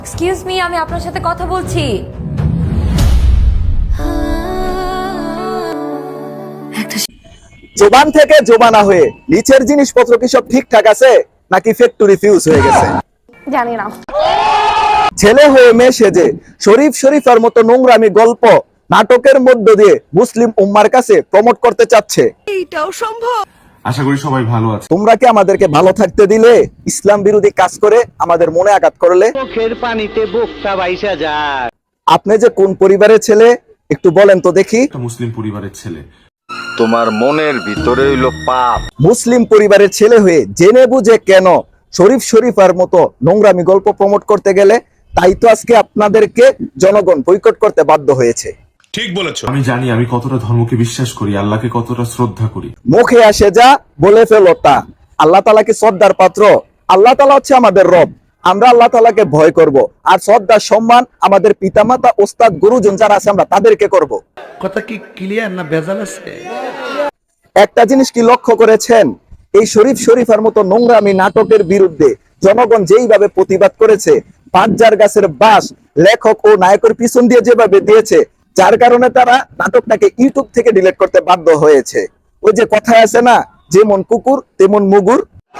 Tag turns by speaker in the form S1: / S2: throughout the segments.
S1: Excuse me, আমি আপনার সাথে কথা বলছি।
S2: জোবান থেকে জোবানা হয়ে নিচের জিনিসপত্র কি সব ঠিকঠাক আছে নাকি ফ্যাক্টরি ফিউজ হয়ে গেছে?
S1: জানি না।
S2: ছেলে হয়ে মেয়ে সেজে শরীফ শরীফার মতো নোংরামি গল্প নাটকের মধ্য দিয়ে মুসলিম উম্মার কাছে প্রমোট করতে চাচ্ছে।
S3: আশা করি সবাই ভালো আছে।
S2: তোমরা কি আমাদেরকে ভালো থাকতে দিলে ইসলাম বিরোধী কাজ করে আমাদের মনে আঘাত করলে?
S4: চোখের পানিতে বুকটা বাইসা যায়।
S2: আপনি যে কোন পরিবারের ছেলে একটু বলেন তো দেখি।
S3: একটা মুসলিম পরিবারের ছেলে।
S5: তোমার মনের ভিতরে হইল পাপ।
S2: মুসলিম পরিবারের ছেলে হয়ে জেনে বুঝে কেন শরীফ শরীফার মতো নোংরামি গল্প প্রমোট করতে গেলে? তাই তো আজকে আপনাদেরকে জনগণ বয়কট করতে বাধ্য হয়েছে।
S6: ঠিক বলেছো।
S3: আমি জানি আমি কতটা ধর্মকে বিশ্বাস করি, আল্লাহকে কতটা শ্রদ্ধা করি।
S2: মুখে আসে যা বলে ফেলো তা। আল্লাহ তাআলা কি শ্রদ্ধার পাত্র? আল্লাহ তাআলা হচ্ছে আমাদের রব। আমরা আল্লাহ তাআলাকে ভয় করব, আর শ্রদ্ধা সম্মান আমাদের পিতামাতা ওস্তাদ গুরুজন যারা আছে আমরা তাদেরকে করব।
S7: কথা কি ক্লিয়ার না ভেজাল আছে?
S2: একটা জিনিস কি লক্ষ্য করেছেন? এই শরীফ শরীফার মতো নোংরামি নাটকের বিরুদ্ধে জনগণ যেইভাবে প্রতিবাদ করেছে, পাঁচজার গাছের বাস লেখক ও নায়কের পিছন দিয়ে যেভাবে দিয়েছে, যার কারণে তারা নাটকটাকে ইউটিউব থেকে ডিলিট করতে বাধ্য হয়েছে। ওই যে কথায় আছে না, যেমন কুকুর তেমন মুগুর।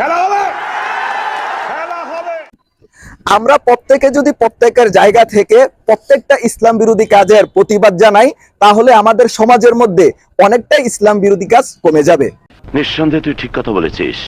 S2: আমরা প্রত্যেকে যদি প্রত্যেকের জায়গা থেকে প্রত্যেকটা ইসলাম বিরোধী কাজের প্রতিবাদ জানাই, তাহলে আমাদের সমাজের মধ্যে অনেকটা ইসলাম বিরোধী কাজ কমে যাবে।
S5: নিঃসন্দেহে তুই ঠিক কথা বলেছিস।